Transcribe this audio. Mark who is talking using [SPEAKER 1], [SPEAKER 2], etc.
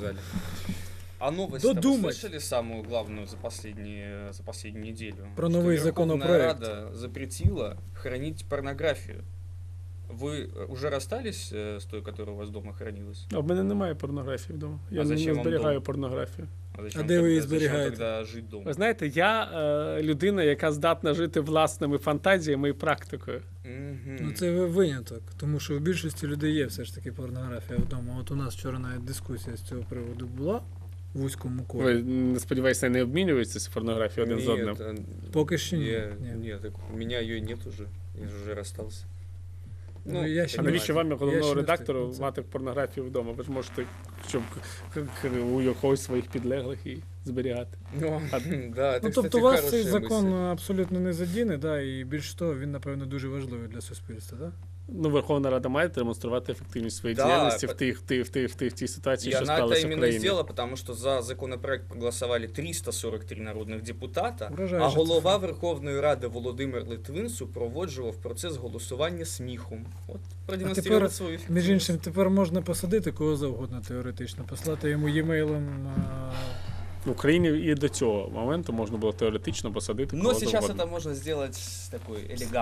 [SPEAKER 1] сказали. А новость вы слышали самую главную за последнюю неделю?
[SPEAKER 2] Про новый законопроект.
[SPEAKER 1] Верховная Рада запретила хранить порнографию. Ви вже розстались з тою, яка у вас вдома хранилась?
[SPEAKER 3] А в мене немає порнографії вдома. Я не зберігаю порнографію.
[SPEAKER 2] А де ви її зберігаєте?
[SPEAKER 1] Тоді жити вдома?
[SPEAKER 3] Ви знаєте, я людина, яка здатна жити власними фантазіями і практикою.
[SPEAKER 2] Ну це виняток, тому що в більшості людей є все ж таки порнографія вдома. От у нас вчора навіть дискусія з цього приводу була в вузькому колі.
[SPEAKER 3] Ви, сподіваюся, не обмінюєтеся порнографією один з одним?
[SPEAKER 2] Поки що ні.
[SPEAKER 1] Ні, так у мене її нет уже. Я вже розстався.
[SPEAKER 2] Ну, я ще
[SPEAKER 3] а навіщо вам, як головного редактору,
[SPEAKER 2] встиг,
[SPEAKER 3] мати порнографію вдома? Ви ж можете, щоб у якогось своїх підлеглих і зберігати.
[SPEAKER 2] Тобто вас цей закон абсолютно не задіне, да, і більш того, він, напевно, дуже важливий для суспільства, так?
[SPEAKER 3] Ну, Верховна Рада має демонструвати ефективність своєї діяльності в тій ситуації, що склалася в країні.
[SPEAKER 1] И она это именно сделала, потому что за законопроект проголосовали 343 народних депутата, а голова Верховної Ради Володимир Литвин супроводжував процес голосування сміхом. От продемонстрував свою ефективність.
[SPEAKER 2] Між іншим, тепер можна посадити кого завгодно теоретично, послати йому e-mailом...
[SPEAKER 3] В Україні і до цього моменту можна було теоретично посадити кого завгодно.
[SPEAKER 1] Но сейчас это можно сделать такой элегантный.